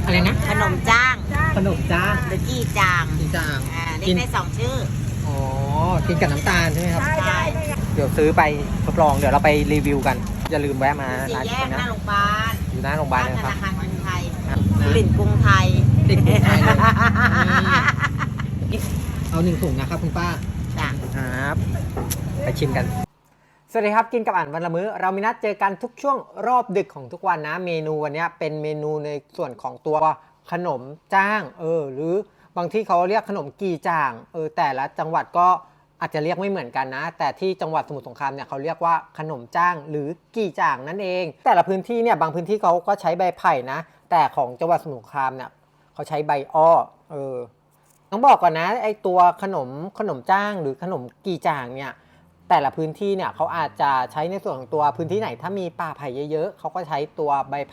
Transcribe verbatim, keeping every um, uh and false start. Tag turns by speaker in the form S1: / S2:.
S1: อะไรนะ
S2: ขนมจ้าง
S1: ขนมจ้าง
S2: หรือจี้จาง
S1: จีจาง
S2: อ่าเรียกได้สองชื่อ
S1: อ๋อกินกับน้ำตาลใช่ไหมครับ
S2: ใช่
S1: เดี๋ยวซื้อไปทดลองเดี๋ยวเราไปรีวิวกันอย่าลืมแวะมา
S2: สี่
S1: ร้าน
S2: แย
S1: นี้
S2: กห
S1: นะ
S2: น้าโรงพยาบาล
S1: อยู่หน้าโรงพยาบาล
S2: ธ
S1: นะครับ
S2: นาคารกรุงไทย
S1: ครับ
S2: กลิ่นกรุงไทย
S1: ติดกรุงไทยเลยนี่เอาหนึ่งถุงนะครับคุณป้า
S2: จ้ะ
S1: ครับไปชิมกัน สวัสดีครับกินกับอ่านวันละมื้อเรามีนัดเจอกันทุกช่วงรอบดึกของทุกวันนะเมนูวันนี้เป็นเมนูในส่วนของตัวขนมจ้างเออหรือบางที่เขาเรียกขนมกีจ่างเออแต่ละจังหวัดก็อาจจะเรียกไม่เหมือนกันนะแต่ที่จังหวัดสมุทรสงครามเนี่ยเขาเรียกว่าขนมจ้างหรือกีจ่างนั่นเองแต่ละพื้นที่เนี่ยบางพื้นที่เขาก็ใช้ใบไผ่นะแต่ของจังหวัดสมุทรสงครามเนี่ยเขาใช้ใบอ้อเออต้องบอกก่อนนะไอตัวขนมขนมจ้างหรือขนมกีจ่างเนี่ยแต่ละพื้นที่เนี่ยเขาอาจจะใช้ในส่วนของตัวพื้นที่ไหนถ้ามีป่าไผ่เยอะๆเขาก็ใช้ตัวใบ